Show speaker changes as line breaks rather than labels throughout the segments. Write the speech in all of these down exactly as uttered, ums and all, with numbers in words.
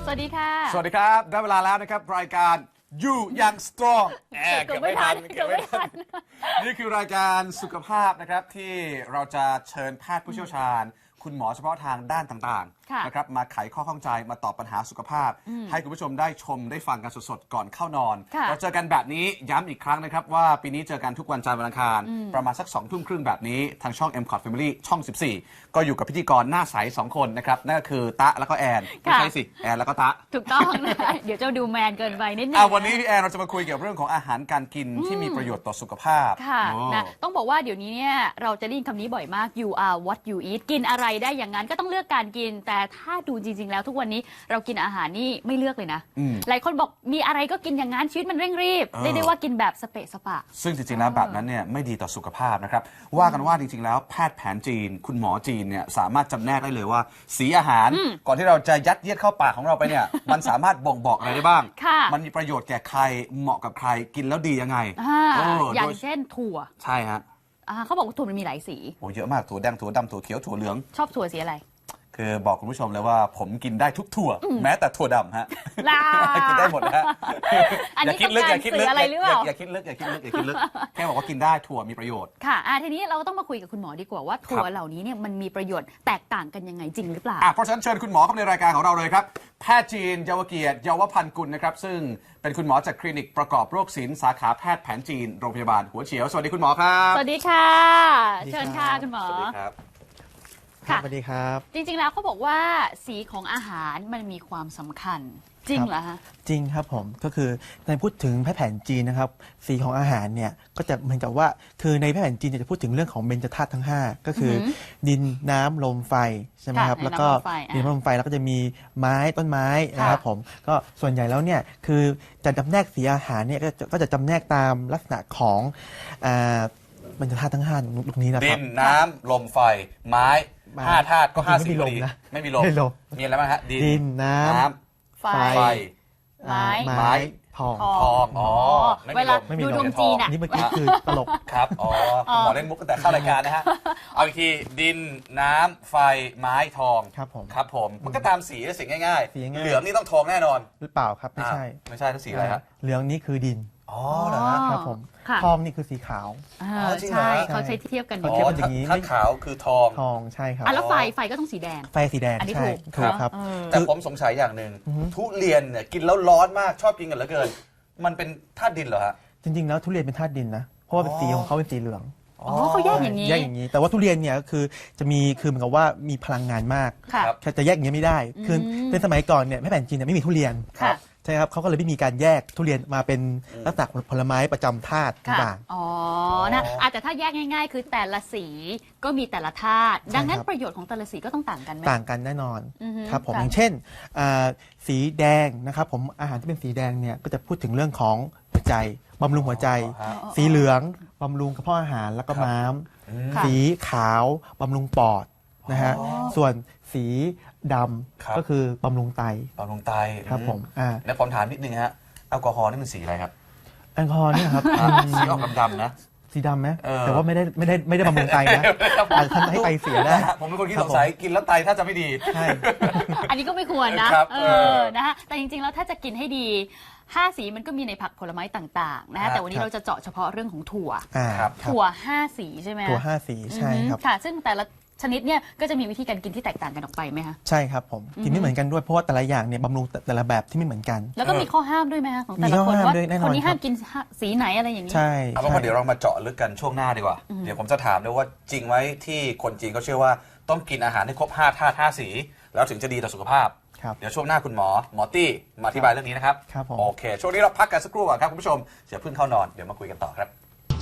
วัสดีค่ะ
สวัสดีครับได้เวลาแล้วนะครับรายการอยู่ยังสตรองแอบเก็บไม่ทันเก็บไม่ทันนี่คือรายการสุขภาพนะครับที่เราจะเชิญแพทย์ผู้เชี่ยวชาญคุณหมอเฉพาะทางด้านต่างๆนะครับมาไขข้อข้องใจมาตอบปัญหาสุขภาพให้คุณผู้ชมได้ชมได้ฟังกันสดๆก่อนเข้านอนเราเจอกันแบบนี้ย้ำอีกครั้งนะครับว่าปีนี้เจอกันทุกวันจันทร์วันอังคารประมาณสักสองทุ่มครึ่งแบบนี้ทางช่อง เอ็ม คอท Family ช่องสิบสี่ก็อยู่กับพิธีกรหน้าใสสองคนนะครับนั่นก็คือตะแล้วก็แอนไม่ใช่สิแอนแล้วก็ตะ
ถูกต้องนะเดี๋ยวจะดูแมนเกินไปนิดนึง
วันนี้พี่แอนเราจะมาคุยเกี่ยวกับเรื่องของอาหารการกินที่มีประโยชน์ต่อสุขภาพ
ค่ะนะต้องบอกว่าเดี๋ยวนี้เนี่ยเราจะได้ยินคำนี้บ่อยมาก you are what you eat กินอะไรได้อย่างนั้นก็ต้องเลือกการกินแต่ถ้าดูจริงๆแล้วทุกวันนี้เรากินอาหารนี่ไม่เลือกเลยนะหลายคนบอกมีอะไรก็กินอย่างนั้นชีวิตมันเร่งรีบเรียกได้ว่ากินแบบสเปะสปะ
ซึ่งจริงๆแล้วแบบนั้นเนี่ยไม่ดีต่อสุขภาพนะครับว่ากันว่าจริงๆแล้วแพทย์แผนจีนคุณหมอจีนเนี่ยสามารถจำแนกได้เลยว่าสีอาหารก่อนที่เราจะยัดเยียดเข้าปากของเราไปเนี่ยมันสามารถบ่งบอกอะไรได้บ้างมันมีประโยชน์แก่ใครเหมาะกับใครกินแล้วดียังไง
อย่างเช่นถั่ว
ใช่ฮะ
เขาบอกว่าถั่วมันมีหลายสี
โอ้เยอะมากถั่วแดงถั่วดำถั่วเขียวถั่วเหลือง
ชอบถั่วสีอะไร
คือบอกคุณผู้ชมเลยว่าผมกินได้ทุกถั่วแม้แต่ถั่วดำฮะกินได้หมดนะฮะ
อย่าคิดลึกอย่าคิดลึกอะไรหรือเปล่า
อย่าคิดลึกอย่าคิดลึกอย่าคิดลึกแค่บอกว่ากินได้ถั่วมีประโยชน์
ค่ะทีนี้เราก็ต้องมาคุยกับคุณหมอดีกว่าว่าถั่วเหล่านี้เนี่ยมันมีประโยชน์แตกต่างกันยังไงจริงหรือเปล่า
เพราะฉะนั้นเชิญคุณหมอเข้าในรายการของเราเลยครับแพทย์จีนเยาวเกียรติเยาวพันธ์กุลนะครับซึ่งเป็นคุณหมอจากคลินิกประกอบโรคศิลป์สาขาแพทย์แผนจีนโรงพยาบาลหัวเฉียวสวัสดีคุณหมอครับ
สวัสดีค่ะเชิญค่ะคุณหมอ
สวัสดีครับ
สวัสดีครับ
จริงๆแล้วเขาบอกว่าสีของอาหารมันมีความสำคัญจริงเหรอฮะ
จริงครับผมก็คือในพูดถึงแพทย์แผนจีนนะครับสีของอาหารเนี่ยก็จะเหมือนกับว่าคือในแพทย์แผนจีนจะพูดถึงเรื่องของเบญจธาตุทั้งห้าก็คือดินน้ำลมไฟใช่ไหมครับแล้วก็ดินน้ำลมไฟแล้วก็จะมีไม้ต้นไม้นะครับผมก็ส่วนใหญ่แล้วเนี่ยคือจะจำแนกสีอาหารเนี่ยก็จะจำแนกตามลักษณะของเบญจธาตุทั้งห้าตรงนี้นะครับ
ดินน้ำลมไฟไม้ห้าธาตุก็ห้าสีพอดีไม่มีลมมีอะไรบ้างฮะ
ดินน้ำ
ไฟไม้
ไม้
ทอง
ทองอ๋อ
เวลาดูดวงจีน
นี่เมื่อกี้คือตลก
ครับอ๋อหมอเล่นมุกตั้งแต่เข้ารายการนะฮะเอาอีกทีดินน้ำไฟไม้ทอง
ครับผม
ครับผมมันก็ตามสีสีง่ายๆเหลืองนี่ต้องทองแน่นอน
หรือเปล่าครับไม่ใช่
ไม่ใช่ทั้งสีอะไรฮะ
เหลืองนี่คือดิน
อ๋อเหรอ
ครับผมทองนี่คือสีขาว
ใช่เขาใช้เทียบกัน
อ๋ออย่างนี้ถ้าขาวคือทอง
ทองใช่ครับ
แล้วไฟไฟก็ต้องสีแดง
ไฟสีแดง
อันนี้ถูก
ถูกครับ
แต่ผมสงสัยอย่างหนึ่งทุเรียนเนี่ยกินแล้วร้อนมากชอบกินกันเหลือเกินมันเป็นธาตุดินเหรอฮะ
จริงๆแล้วทุเรียนเป็นธาตุดินนะเพราะว่าสีของเขาเป็นสีเหลือง
อ๋อเขาแยกอย่างนี้
แยกอย่างนี้แต่ว่าทุเรียนเนี่ยคือจะมีคือเหมือนกับว่ามีพลังงานมากจะแยกอย่างนี้ไม่ได้คือเป็นสมัยก่อนเนี่ยแม่แผ่นจีนเนี่ยไม่มีทุเรียนใช่ครับเขาก็เลยไม่มีการแยกทุเรียนมาเป็นลักษณะผลไม้ประจำธาตุต่าง
ๆอ๋อนะแต่ถ้าแยกง่ายๆคือแต่ละสีก็มีแต่ละธาตุดังนั้นประโยชน์ของแต่ละสีก็ต้องต่างกันไหม
ต่างกันแน่นอนครับผมอย่างเช่นสีแดงนะครับผมอาหารที่เป็นสีแดงเนี่ยก็จะพูดถึงเรื่องของหัวใจบำรุงหัวใจสีเหลืองบำรุงกระเพาะอาหารแล้วก็ม้ามสีขาวบำรุงปอดนะฮะส่วนสีดำก็คือบำรุงไต
บำรุงไต
ครับผมอ่า
แล้วผมถามนิดนึงฮะแอลกอฮอล์นี่มันสีอะไรครับ
แอลกอฮอล์นี่ครับ
สีออกดำๆนะ
สีดำไหมแต่ว่าไม่ได้ไม่ได้ไม่ได้บำรุงไตนะท่านให้ไตเสียได้
ผมเป็นคนที่สงสัยกินแล้วไตถ้าจะไม่ดี
ใช่
อันนี้ก็ไม่ควรนะเออนะฮะแต่จริงๆแล้วถ้าจะกินให้ดีห้าสีมันก็มีในผักผลไม้ต่างๆนะฮะแต่วันนี้เราจะเจาะเฉพาะเรื่องของถั่วถั่วห้าสีใช่ไหม
ถั่วห้าสีใช่ครับ
ค่ะซึ่งแต่ละชนิดเนี่ยก็จะมีวิธีการกินที่แตกต่างกันออกไปไหมคะ
ใช่ครับผมกินไม่เหมือนกันด้วยเพราะว่าแต่ละอย่างเนี่ยบำรุงแต่ละแบบที่ไม่เหมือนกัน
แล้วก็มีข้อห้ามด้วยไหมคะของแต่ละคนว่าคนนี้ห้ามกินสีไหนอะไรอย่างนี้
ใช่
เอาเป็นว่าเดี๋ยวเรามาเจาะลึกกันช่วงหน้าดีกว่าเดี๋ยวผมจะถามด้วยว่าจริงไหมที่คนจีนเขาเชื่อว่าต้องกินอาหารให้ครบห้าธาตุห้าสีแล้วถึงจะดีต่อสุขภาพเดี๋ยวช่วงหน้าคุณหมอหมอตี้มาอธิบายเรื่องนี้นะครับโอเคช่วงนี้เราพักกันสักครู่ก่อนครับคุณผู้ชมอย่าเพิ่งเข้านอนเดี๋ยวมาคุยกันต่อครับ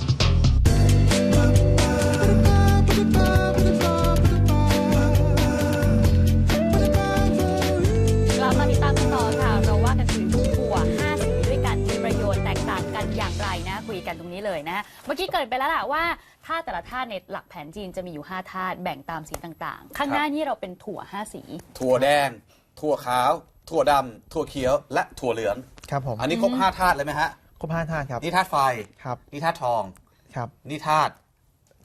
กลับมาติดตามกันต่อค่ะเราว่ากันถึงถั่วห้าสีด้วยกันมีประโยชน์แตกต่างกันอย่างไรนะคุยกันตรงนี้เลยนะเมื่อกี้เกิดไปแล้วล่ะว่าธาตุแต่ละธาตุในหลักแผนจีนจะมีอยู่ห้าธาตุแบ่งตามสีต่างๆข้างหน้านี่เราเป็นถั่วห้าสี
ถั่วแดงถั่วขาวถั่วดำถั่วเขียวและถั่วเหลือง
ครับผม
อันนี้ครบห้าธาตุเลยไหมฮะ
ครบห้าธาตุครับ
นี่ธาตุไฟ
ครับ
นี่ธาตุทอง
ครับ
นี่ธาตุ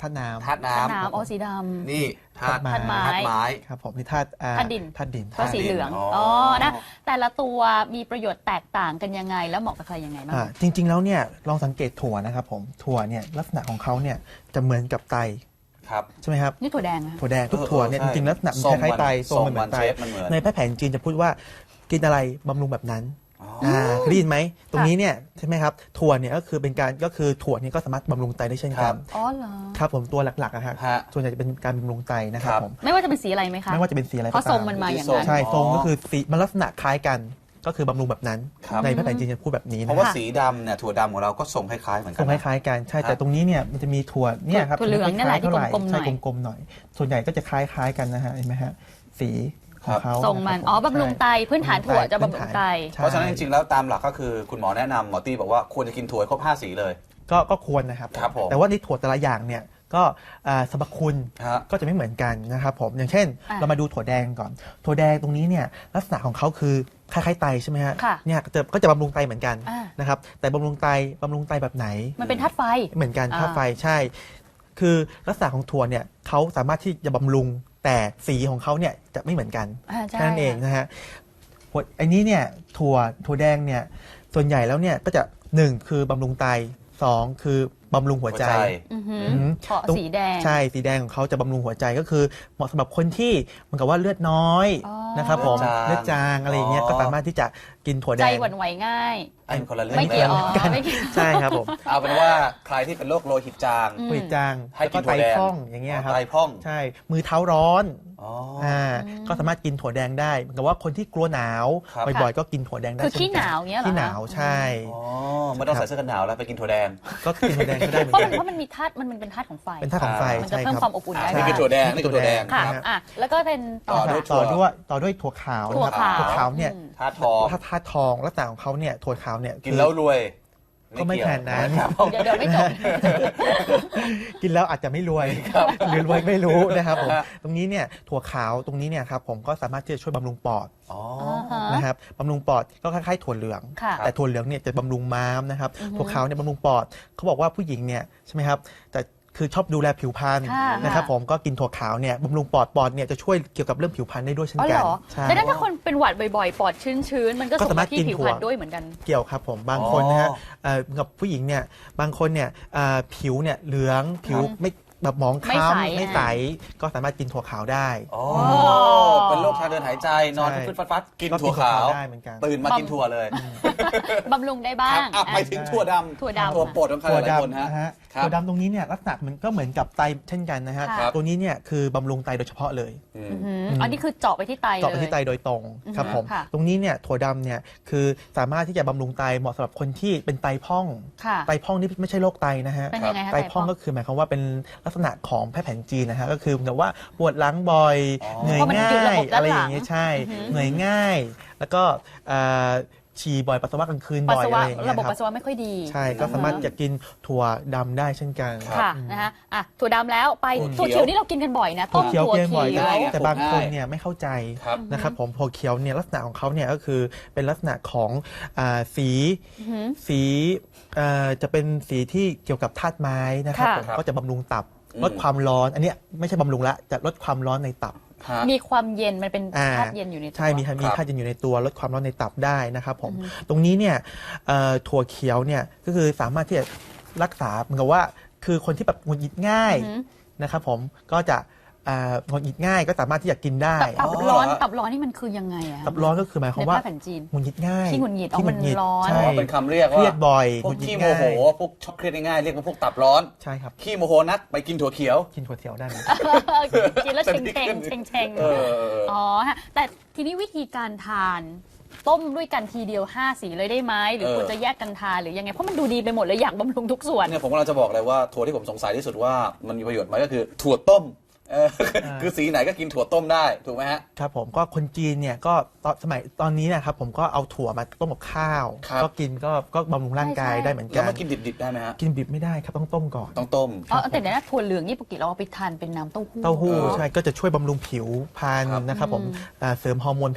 ธาตุน้ำ
ธาตุน้
ธาตุน้ำอ๋อสีด
ำนี่ธาตุ
ธาตุไม้
ธาตุไม้
ครับผมนี่ธาตุอ่
ธาตุดิน
ธาตุดิน
ำก็สีเหลือง
อ๋ออ๋
อ๋อนะแต่ละตัวมีประโยชน์แตกต่างกันยังไง แล้วเหมาะกับใครยังไงบ้าง
อ่าจริง ๆ แล้วเนี่ยลองสังเกตถั่วนะครับผมถั่วเนี่ยลักษณะของเขาเนี่ยจะเหมือนกับไต
ครับ
ใช่ไหมครับ
นี่ถั่วแดงนะ
ถั่วแดงทุกถั่วเนี่ย
เออ
จ
เออ
ริงๆลักษณะมัน
ทรง
คล้ายๆไต
มัน
ทรงมันเหมือนไต
ทรงมัน shape มันเหมือน
ในแพทย์แผนจีนจะพูดว่ากินอะไรบำรุงแบบนั้น
อ๋อ
อ่าได้ยินไหมตรงนี้เนี่ยใช่ไหมครับถั่วเนี่ยก็คือเป็นการก็คือถั่วเนี่ยก็สามารถบำรุงไตได้เช่น
ค
กั
รั
น
บ
อ๋อเหรอ
ครับผมตัวหลักๆอะครับ
ฮะ
ส่วนใหญ่จะเป็นการบำรุงไตนะครับ
ครับ
ผม
ไม่ว่าจะเป็นสีอะไรไหมคะ
ไม่ว่าจะเป็นสีอะไร
เพราะ
ก็
ท
ตา
รงมันมาอย่างนั้น
ใช่
อ๋อ
ทรงก็คือสีมันลักษณะคล้ายกัน ก็คือบำรุงแบบนั้น
ครับ
ในแพทย์แผนจีนจะพูดแบบนี้
เพ
นะ
ราะ
ค
ว่า
รับ
สีดำเนี่ยถั่วดำของเราก็ทรงคล้ายๆเหมือน
ท
กั
รง
น
ค
นะ
ล้ายๆกันใช่
ครับ
แต่ตรงนี้เนี่ยมันจะมีถั่วเนี่ยครับ
ถั่วเหลืองนั่นแหละที่
ไม่ค่อย
กลมๆหน่อย
ใช่กลมๆหน่อย ส่วนใหญ่ก็จะคล้ายๆกันนะฮะเห็นไหมฮะสีของเขา
ทรงมัน
ะค
อ๋อ
ผม
บำรุงไตพื้นฐานถั่วจะบำรุงไต
ใช่
เพราะฉะนั้นจริงๆแล้วตามหลักก็คือคุณหมอแนะนำหมอตี้บอกว่าควรจะกินถั่วให้ครบห้าสีเลย
ก็ก็ควรนะครับ
ครับผม
แต่ว่าในถั่วแต่ละอย่างเนี่ยก็อ่าสรรพคุณ
ฮะ
ก็จะไม่เหมือนกันนะครับผมอย่างเช่น
อ่ะ
เรามาดูถั่วแดงก่อน ถั่วแดงตรงนี้เนี่ยลักษณะของเขาคือคล้ายๆไตใช่ไหมฮะ
ค่ะ
เนี่ยก็จะก็จะบำรุงไตเหมือนกัน
อ่า
นะครับแต่บำรุงไตบำรุงไตแบบไหน
มันเป็นธาตุไฟ
เหมือนกัน
อ่า
ค่าไฟใช่ คือลักษณะของถั่วเนี่ยเขาสามารถที่จะบำรุงแต่สีของเขาเนี่ยจะไม่เหมือนกัน
อ่าใช่
แค่นั้นเองนะฮะหัวอันนี้เนี่ยถั่วถั่วแดงเนี่ยส่วนใหญ่แล้วเนี่ยก็จะหนึ่งคือบำรุงไตสองคือบำรุงหัวใจ
หัวใจ
อือหือ
อืม
เพราะสีแดง
ใช่สีแดงของเขาจะบำรุงหัวใจก็คือเหมาะสำหรับคนที่เหมือนกับว่าเลือดน้อย
อ๋อ
นะครับผม
เลื
เลื
อ
อ
ด
ด
จา
จาง งอะไรอย่างเงี้ย
อ๋อ
ก็สามารถที่จะกินถั่วแด
ใจ
ง
หวั่นไหวง่าย
ไอ้คนละเรื่อง
ไม่เกี่ยว
ล
อ๋อไม่เกี่ยว
ใช่ครับผม
เอาเป็นว่าใครที่เป็นโรคโลหิตจาง
อืม
หัวจาง
ให้
แล้ว
กิ
ก็
น
ไต
ถั่วแดง
พร่องอย่างเงี้ยครับ
ไตพร่อง
ใช่มือเท้าร้อน
อ๋อ
อ่าก็สามารถกินถั่วแดงได้เหมือนกับว่าคนที่กลัวหนาว
ครับ
บ่อยๆก็กินถั่วแดงได้
คือ
เช่
ขี้
น
ห
กัน
นาวเงี้ยเหรอ
ขี้หนาวใช่
อ๋อไม่ต้องใส่เสื้อกันหนาวแล้วไปกินถั่วแดง
ก็กินถั่วแดงก็ได้เหมือ
เพราะ
น
มัน
กัน
เพราะมันมีธาตุมันมันเป็นธาตุของไฟ
เป็นธาตุของไฟ
มันจะ
ใช่
เพิ่ม
ครับ
ความอบอุ่นได้
อ่านี่คือถั่วแดงนี่คือถั่วแดง
ค่ะ
นะฮะ
อ่ะแล้วก็เป็นต่อ
ต่อด้วย
ต่อด้วยต่อด้วยถั่วขาว
ถั่ว
นะครับ
ขาว
ถั่วขาวเนี่ย
อืม
ธาตุทอง
ถ้าธาตุทองลักษณะของเขาเนี่ยถั่วขาวเนี่ย
กิน
คือ
แล้วรวย
ก็ไม่
เยว
ขนาดนั้น
ครับ
เดี๋ยวเดี๋ยวไม่จบ
กินแล้วอาจจะไม่รวยหรือรวยไม่รู้นะครับผม
ฮะ
ตรงนี้เนี่ยถั่วขาวตรงนี้เนี่ยครับผมก็สามารถที่จะช่วยบำรุงปอด
อ๋อ
ฮะ
นะครับบำรุงปอดก็คล้ายๆถั่วเหลือง
ค่ะ
แต่ถั่วเหลืองเนี่ยจะบำรุงม้ามนะครับ
อือฮึ
ถั่วขาวเนี่ยบำรุงปอดเขาบอกว่าผู้หญิงเนี่ยใช่ไหมครับแต่คือชอบดูแลผิวพรรณ
ค่ะ
นะครับผมก็กินถั่วขาวเนี่ยบำรุงปอดปอดเนี่ยจะช่วยเกี่ยวกับเรื่องผิวพรรณได้ด้วยเช่น
อ๋อ
กั
เห
น
รอ
ใช่
ดังนั้นถ้าคนเป็นหวัดบ่อยๆ ปอดชื้นๆ มันก็
ก็
ส่ง
สามาร
มา
ถ
ที่
กิน
ผิว
ถั่
พ
ว
รรณด้วยเหมือนกัน
เกี่ยวครับผมบางคนนะฮะ
อ๋อ
เอ่อกับผู้หญิงเนี่ยบางคนเนี่ยอ่าผิวเนี่ยเหลืองผิวไม่แบบหมอง
ไม่
คล้
ใส
ำไม่ใสก็สามารถกินถั่วขาวได้
อ๋อเป็นโรคทางเดินหายใจนอน
ใช่
ฟึดฟัดฟัดกิน
ก็
ถั่วขาว
ได้เหมือนกัน
ตื่นมากินถั่วเลย
บำรุงได้บ้า
ครั
ง
บอ่ะไปถึงถั่วดำ
ถั่วดำ
ตัวโปรดของใคร
ถั่ว
หลายคน
ดำ
ฮะ
นะฮะ
ครับ
ถั่วดำตรงนี้เนี่ยลักษณะมันก็เหมือนกับไตเช่นกันนะฮะ
ครับ
ตัวนี้เนี่ยคือบำรุงไตโดยเฉพาะเลย
อืม
อือหืออันนี้คือเจาะไปที่ไตเลย
เจาะไปที่ไตโดยตรง
อือฮึ
ครับผม
ค่ะ
ตรงนี้เนี่ยถั่วดำเนี่ยคือสามารถที่จะบำรุงไตเหมาะสำหรับคนที่เป็นไตพร่อง
ค่ะ
ไตพร่องนี่ไม่ใช่โรคไตนะฮะ
เป็นยังไงคะ
ไตพร่องก็คือหมายความว่าเป็นลักษณะของแพทย์แผนจีนนะฮะก็คือเหมือนกับว่าปวดหลังบ่อย
อ๋อ
เหนื่อย
เพราะมัน
ง่า
อยู่ระ
ย
บบด้านหลัง
อะไรอย่างเงี้ยใช่
อือฮึ
เหนื่อยง่าย แล้วก็เอ่อฉี่บ่อยปัสสาวะกลางคืน
ปัส
บ่อย
สา
อะ
วะ
ไรอย่างเงี้
ระ
ย
บบ
ครั
ปัส
บ
สาวะไม่ค่อยดี
ใช่ก็สามารถจะกินถั่วดำได้เช่นกัน
ค่ะนะคะอ่ะถั่วดำแล้วไป
ถั่
ถั่
ว
ว
เขียว
เขียวนี่เรากินกันบ่อยนะ
ถั่
ต้
ว
ม
เขียว
ถั่ว
เกมบ่อย
เขียว
ง่ายไง
แต่บางคนเนี่ยไม่เข้าใจ
ครับ
นะครับผมถั่วเขียวเนี่ยลักษณะของเขาเนี่ยก็คือเป็นลักษณะของอาสี
อือหือ
สีเอ่อจะเป็นสีที่เกี่ยวกับธาตุไม้นะครับ
ค่ะ
ผมก็จะบำรุงตับ
อืม
ลดความร้อนอันเนี้ยไม่ใช่บำรุงละจะลดความร้อนในตับ
ฮะ
มีความเย็นมันเป็น
อ่า
ธาตุเย็นอยู่ในตัว
ใช่มีมี
ครับ
ธาตุเย็นอยู่ในตัวลดความร้อนในตับได้นะครับผม
อือฮึ
ตรงนี้เนี่ยเอ่อถั่วเขียวเนี่ยก็คือสามารถที่จะรักษาเหมือนกับว่าคือคนที่แบบหงุดหงิดง่าย
อือหือ
นะครับผมก็จะอ่าหงุดหงิดง่ายก็สามารถที่จะกินได้
ตับ
อ๋อ
ร้อน
เหรอ
ตับร้อนนี่มันคือยังไงอะ
ตับร้อนก็คือหมายความ
ใน
ว่า
ภาพแผ่นจีน
หงุดหงิดง่าย
ขี้หงุดหงิดอ๋อ
ขี้
มันร้อน
ใช่
อ๋อเป็นคำเรียก
เค
ว่า
รียดบ่อย
พวก
หงุดหงิด
ขี้โม
ง่าย
โหพวกชอบเครียดง่ายๆเรียกว่าพวกตับร้อน
ใช่ครับ
ขี้โมโหนักไปกินถั่วเขียว
กินถั่วเขียวได้ไหม
กินแล้วเชงเชงเชงเชง
เออ
อ๋อฮะแต่ทีนี้วิธีการทาน ต้มด้วยกันทีเดียวห้าสีเลยได้ไหมหรือ
เออ
ควรจะแยกกันทานหรือยังไงเพราะมันดูดีไปหมดเลยอยากบำรุงทุกส่วน
เนี่ยผมกำลังจะบอกเลยว่าถั่วที่ผมสงสัยที่สุดว่ามันมีประโยชน์ไหมก็คือถั่วต้มเออคือสีไหนก็กินถั่วต้มได้ถูกไหมฮะ
ครับผมก็คนจีนเนี่ยก็ตอนสมัยตอนนี้นะครับผมก็เอาถั่วมาต้มกับข้าว
ครับ
ก็กินก็ก็บำรุงร่างกาย
ใช่
ได้เหมือน
แล้
กั
วน มากินดิบๆได้ไหมฮะ
กินดิบไม่ได้ครับต้องต้มก่อน
ต้องต้ม
อ๋อแต่เดี๋ยวนะถั่วเหลืองนี่ปกติเราเอาไปทานเป็นน้ำเต้าหู้
เต้าหู้
เออ
ใช่ก็จะช่วยบำรุงผิวพรรณ
ครับ
นะครับผม
อืม
อ่าเสริมฮอร์โมนเพศ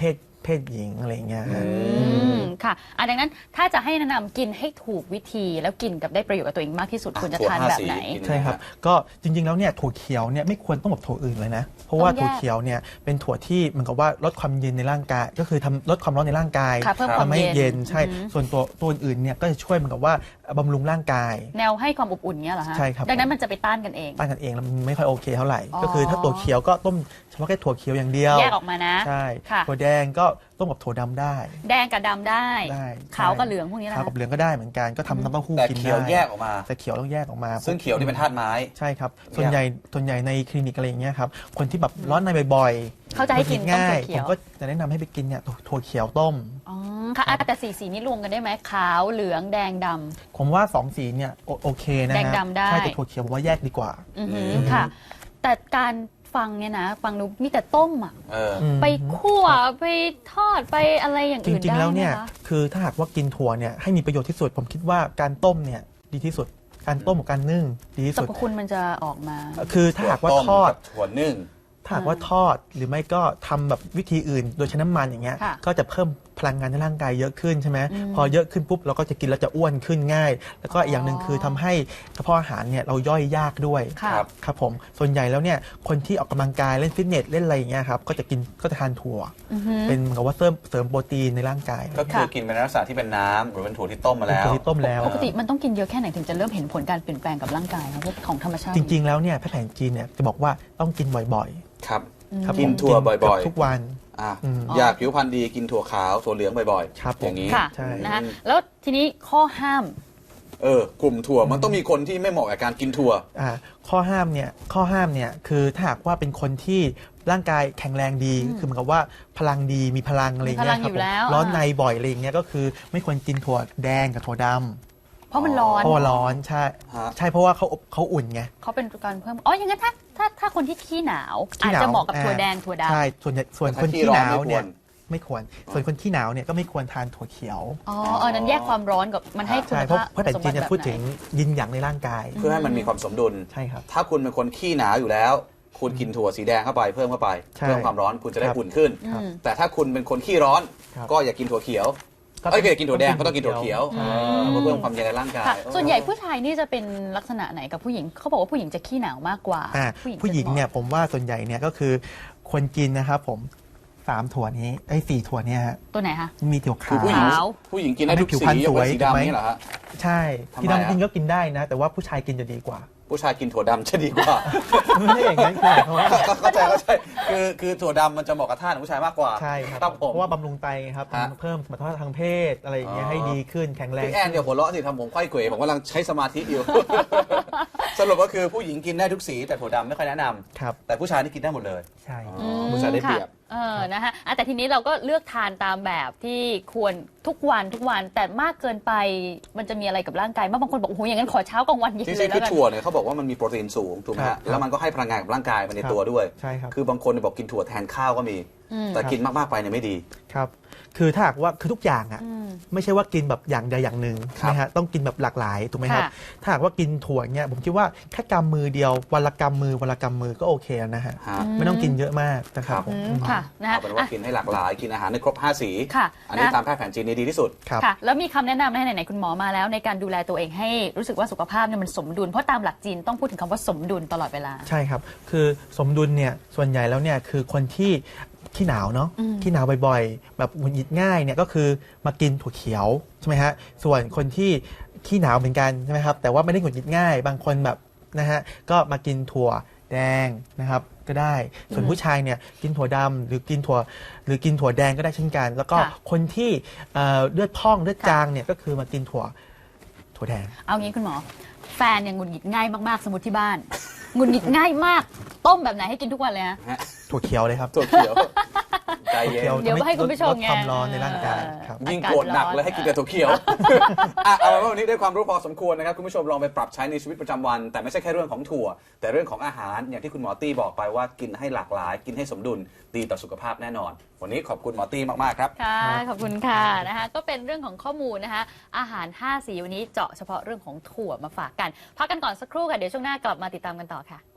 เพศหญิงอะไรอย่างเงี้ยฮะ
อืมค่ะอ่ะดังนั้นถ้าจะให้แนะนำกินให้ถูกวิธีแล้วกินกับได้ประโยชน์กับตัวเองมากที่สุดควรจะทานแบบไหน
ใช่ครับ ก็จริงๆแล้วเนี่ยถั่วเขียวเนี่ยไม่ควรต้องกับถั่วอื่นเลยนะ เพราะว่า
ต้องแยก
ถั่วเขียวเนี่ยเป็นถั่วที่เหมือนกับว่าลดความเย็นในร่างกาย ก็คือทำลดความร้อนในร่างกาย
ค่ะเพิ่มความ
ทำให้
เย็น
เย็นใช่
อืม
ส่วนตัวตัวอื่นเนี่ยก็จะช่วยเหมือนกับว่าบำรุงร่างกาย
แนวให้ความอบอุ่นเงี้ยเหรอฮะ
ใช่ครับ
ดังนั้นมันจะไปต้านกันเอง
ต้านกันเองแล้วมันไม่ค่อยโอเคเท่าไหร่
อ๋อ
ก็คือถ้าถั่วเขียวก็ต้มเฉพาะแค่ถั่วเขียวอย่างเดียว
แยกออกมานะ
ใช่
ค่ะ
ถั่วแดงก็ต้มกับถั่วดำได้
แดงกับดำได้
ได้
ขาวกับเหลืองพวกนี้นะ
ขาวกับเหลืองก็ได้เหมือนกันก็ทำน้ำเต้าหู้
แต่
กิน
เขียว
ได้
แยกออกมา
แต่เขียวต้องแยกออกมา
ซึ่งเขียวนี่เป็นธาตุไม้
ใช่ครับ ส่วนใหญ่ส่วนใหญ่ในคลินิกอะไรอย่างเงี้ยครับ คนที่แบบร้อนในบ่อยๆ
เขาจะให้กินต้ม
ง่าย
ถั่วเขี
ผ
ย
ม
ว
ก็จะแนะนำให้ไปกินเนี่ยถั่วเขียวต้ม
อ๋อค่ะอ่ะแต่สีสีนี้รวมกันได้ไหมขาวเหลืองแดงดำ
ผมว่าสองสีเนี่ยโอโอเคนะฮะ
แดงดำได้
ใช่แต่ถั่วเขียวผมว่าแยกดีกว่า
อือหือค่ะ แต่การฟังเนี่ยนะฟังดูมีแต่ต้มอ่ะ
เออ
อืม
ไปคั่วไปทอดไปอะไรอย่าง
จ
อื่น
ริง
ได้
ๆ แล้ว
ไหม
เนี่ย
คะ
คือถ้าหากว่ากินถั่วเนี่ยให้มีประโยชน์ที่สุด ผมคิดว่าการต้มเนี่ยดีที่สุด การต้มกับการนึ่งดีที่
สร
สุด
รพคุณมันจะออกมา
คือถ้าหากว่า
ถั่วต้ม
ทอด
กับถั่วนึ่ง
ถ้าหากว่าทอดหรือไม่ก็ทำแบบวิธีอื่น โดยใช้น้ำมันอย่างเงี้ย
ค่ะ
ก็จะเพิ่มพลังงานในร่างกายเยอะขึ้นใช่ไหม
อืม
พอเยอะขึ้นปุ๊บเราก็จะกินแล้วจะอ้วนขึ้นง่าย แล้วก็อีกอย่างหนึ่งคือทำให้กระเพาะอาหารเนี่ยเราย่อยยากด้วย
ค่ะ
ครับ
ครับผมส่วนใหญ่แล้วเนี่ยคนที่ออกกำลังกายเล่นฟิตเนสเล่นอะไรอย่างเงี้ยครับก็จะกินก็จะทานถั่ว
อือหือ
เป็นเหมือนกับว่าเสริมเสริมโปรตีนในร่างกาย
ก็คือกินเป็นลักษณะที่เป็นน้ำหรือเป็นถั่วที่ต้มมา
เป็น
แล้ว
ถั่วที่ต้มแล้ว
ปกติมันต้องกินเยอะแค่ไหนถึงจะเริ่มเห็นผลการเปลี่ยนแปลงกับร่างกายครับพวกของธรรมชาติ
จริง ๆ แล้วเนี่ยแพทย์แผนจีนเนี่ยจะบอกว่าต้องกินบ่อย
ครับ
ๆครับ
กิน
ผม
ถั่วบ่อยๆ
เกืทุกวัน
อ่ะ
อืม
อยากผิวพรรณดีกินถั่วขาวถั่วเหลืองบ่อย
ครับผม
อย่างนี้
ค่ะ
ใช่
นะคะแล้วทีนี้ข้อห้าม
เออกลุ่มถั่วมันต้องมีคนที่ไม่เหมาะกับการกินถั่ว
อ่าข้อห้ามเนี่ยข้อห้ามเนี่ยคือถ้าหากว่าเป็นคนที่ร่างกายแข็งแรงดีคือเหมือนกับว่าพลังดีมีพลังอะไรอย่างเงี้ย
มีพลัง
ครั
อบ ยู่
ผม
แล้ว
ร้อน
อ่า
ในบ่อยอะไรอย่างเงี้ยก็คือไม่ควรกินถั่วแดงกับถั่วดำ
เพราะมันร้อน
เพราะว่าร้อนใช่
ฮะ
ใช่เพราะว่าเขาอบเขาอุ่นไง
เขาเป็นการเพิ่มอ๋ออย่างนั้นถ้าถ้าถ้าคนที่ขี้หนาว
ขี้
อาจ
หนาว
จะเหมาะกับ
อ่า
ถั่วแดงถั่วดำ
ใช่ส่วนใหญ่ส่วน
แต่
คน
ถ้าขี้
ที่
ร้อน
หนาวเนี่ย
ไม่ควร
ไม่ควร ส่วนคนที่หนาวเนี่ยก็ไม่ควรทานถั่วเขียว
อ๋อเออนั้นแยกความร้อนกับมันให้คุณ
ใช่เพราะ
ภาพ
เพราะแต่
สม
จี
บั
น
ติ
จะ
แบบ
พูด
ไห
ถึง
น
ยินหยางในร่างกาย
เพื่อให้มันมีความสมดุล
ใช่ครับ
ถ้าคุณเป็นคนขี้หนาวอยู่แล้ว คุณกินถั่วสีแดงเข้าไปเพิ่มเข้าไป
ใช่
เพิ่มความร้อนคุณจะได้
ครับ
อุ่นขึ้น
อืม
แต่ถ้าคุณเป็นคนขี้ร้อน
ครับ
ก็อย่ากินถั่วเขียว
ก็
เอ้ยอย่ากินถั่วแดงก็ต้องกินถั่วเขียว
ใช่
เออเพื่อเพิ่มความเย็นในร่างกาย
ค่ะ ส่วนใหญ่ผู้ชายนี่จะเป็นลักษณะไหนกับผู้หญิงเขาบอกว่าผู้หญิงจะขี้หนาวมากกว่า
อ่าผู้หญิงเนี่ยผมว่าส่วนใหญ่เนี่ยก็คือควรกินนะครับผมสามถั่วนี้ไอ้สี่ถั่วเนี่ยฮะ
ตัวไหนคะ
มีถั่ว
คือ
ขาว
ผู้หญิง
ขาว
ผู้หญิงกินได้ทุก
ผิว
สี
พรรณ
ยกเว้น
สวย
สี
ถูกไหม
ดำนี่เหรอฮะ
ใช่
ทำไม
ที่ดำจริง
อะ
ก็กินได้นะ แต่ว่าผู้ชายกินจะดีกว่า
ผู้ชายกินถั่วดำจะดีกว่า
ไม่ใช่อย่างนั้นคือหมายความว่า
เข้าใจเข้าใจคือคือถั่วดำมันจะเหมาะกับท่าของผู้ชายมากกว่า
ใช่ครับ
ครับผม
เพราะว่าบำรุงไตครับ
ฮะ
เพิ่มสมรรถภาพทางเพศอะไรอย่างเงี้ย
อ๋อ
ให้ดีขึ้นแข็งแรง
พี่แอนเดี๋ยวหัวเราะสิทำผมไขว้เขวผมกำลังใช้สมาธิอยู่ สรุปก็คือผู้หญิงกินได้ทุกสีแต่ถั่วดำไม่ค่อยแนะนำ
ครับ
แต่ผู้ชายนี่กินได้หมดเลย
ใช่
อ๋อผู้ชายได้เปรียบ
ค่ะเออนะคะอ่ะแต่ทีนี้เราก็เลือกทานตามแบบที่ควรทุกวันทุกวันแต่มากเกินไปมันจะมีอะไรกับร่างกายมากบางคนบอกโอ้โหอย่างนั้นขอเช้ากลางวันเย็น
จ
เล
ริ
ย
งๆ
แล้
คือ
วกัน
ถั่วเนี่ยเขาบอกว่ามันมีโปรตีนสูงถูกไหม
ครั
ฮะ
บ
แล้วมันก็ให้พลังงานกับร่างกายมาใน
ครับ
ตัวด้วย
ใช่ครับ
คือบางคนเนี่ยบอกกินถั่วแทนข้าวก็มี
อืม
แต่กินมากๆไปเนี่ยไม่ดี
ครับคือถ้าหากว่าคือทุกอย่างอ่ะ
อืม
ไม่ใช่ว่ากินแบบอย่างใดอย่างหนึ่ง
ครับ
นะฮะต้องกินแบบหลากหลายถูกไหมครับ
ค่ะ
ถ้าหากว่ากินถั่วเนี่ยผมคิดว่าแค่กำมือเดียววันละกำมือวันละกำมือก็โอเคแล้วนะฮะ
ฮะ
ไม่ต้องกินเยอะมากนะครับผ
อื
ม
มค่ะนะ
เอา
ฮะ
เป็นว่า
อ่ะ
กินให้หลากหลายกินอาหารในครบห้าสี
ค่ะ
อันนี้
นะ
ตามแพทย์แผนจีนนี่ดีที่สุด
ครับ
ค่ะแล้วมีคำแนะนำนะไหนๆคุณหมอมาแล้วในการดูแลตัวเองให้รู้สึกว่าสุขภาพเนี่ยมันสมดุลเพราะตามหลักจีนต้องพูดถึงคำว่าสมดุลตลอดเวลา
ใช่ครับ คือสมดุลเนี่ยส่วนใหญ่แล้วเนี่ยคือคนที่ขี้หนาวเนาะ
อืม
ขี้หนาวบ่อยๆ แบบหงุดหงิดง่ายเนี่ยก็คือมากินถั่วเขียวใช่ไหมฮะส่วนคนที่ขี้หนาวเหมือนกันใช่ไหมครับแต่ว่าไม่ได้หงุดหงิดง่าย บางคนแบบนะฮะก็มากินถั่วแดงนะครับก็ได้ ส่วนผู้ชายเนี่ยกินถั่วดำหรือกินถั่วหรือกินถั่วแดงก็ได้เช่นกัน แล้วก็
ค่ะ
คนที่เอ่อเลือดพองเลือด
ค่ะ
จางเนี่ยก็คือมากินถั่วถั่วแดง
เอางี้คุณหมอ แฟนเนี่ยหงุดหงิดง่ายมากๆสมมติที่บ้านหงุดหงิดง่ายมากต้มแบบไหนให้กินทุกวันเลยฮะ
ถั่วเขียวเลยครับ
ถั่วเขียวใจเย็น
ถั่ว
เดี๋ยวให้คุณผู้ชม
ลด
ไง
ความร้อนในร่างกายครับ
ยิ่งโกรธหนักเลยให้กินแต่ถั่วเขียว อ่ะเอาเป็นว่าวันนี้ได้ความรู้พอสมควรนะครับคุณผู้ชมลองไปปรับใช้ในชีวิตประจำวัน แต่ไม่ใช่แค่เรื่องของถั่ว แต่เรื่องของอาหารอย่างที่คุณหมอตี้บอกไปว่ากินให้หลากหลาย กินให้สมดุลดีต่อสุขภาพแน่นอน วันนี้ขอบคุณหมอตี้มากๆครับ
ค่ะขอบคุณค่ะนะคะก็เป็นเรื่องของข้อมูลนะคะอาหารห้าสีวันนี้เจาะเฉพาะเรื่องของถั่วมาฝากกันพักกันก่อนสักครู่ค่ะเดี๋ยวช่วงหน้ากลับมาติดตามกันต่อค่ะ